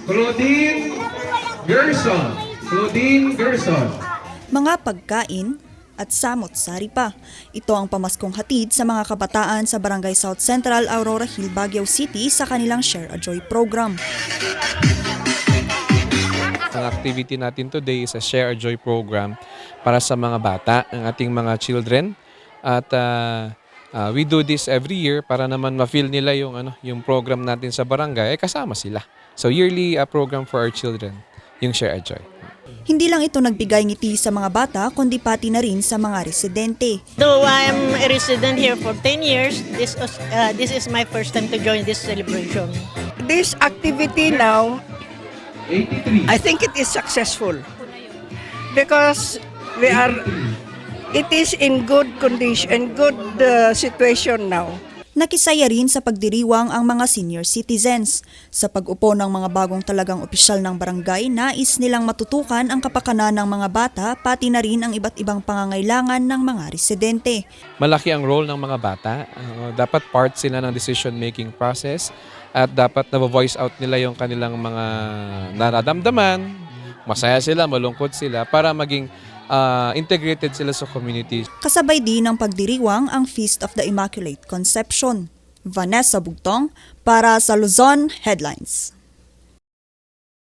Claudine Gerson. Claudine Gerson. Mga pagkain at samot-sari pa. Ito ang pamaskong hatid sa mga kabataan sa Barangay South Central, Aurora Hill, Baguio City sa kanilang Share a Joy program. Ang activity natin today is a Share a Joy program para sa mga bata, ang ating mga children. At we do this every year para naman ma-feel nila yung program natin sa barangay, kasama sila. So yearly program for our children, yung Share a Joy. Hindi lang ito nagbigay ngiti sa mga bata, kundi pati na rin sa mga residente. Though I am a resident here for 10 years, this is my first time to join this celebration. This activity now, 83. I think it is successful because it is in good condition, good situation now. Nakisaya rin sa pagdiriwang ang mga senior citizens. Sa pag-upo ng mga bagong talagang opisyal ng barangay, nais nilang matutukan ang kapakanan ng mga bata, pati na rin ang iba't ibang pangangailangan ng mga residente. Malaki ang role ng mga bata. Dapat part sila ng decision-making process at dapat na-voice out nila yung kanilang mga nararamdaman. Masaya sila, malungkot sila para maging integrated sila sa community. Kasabay din ng pagdiriwang ang Feast of the Immaculate Conception. Vanessa Bugtong para sa Luzon Headlines.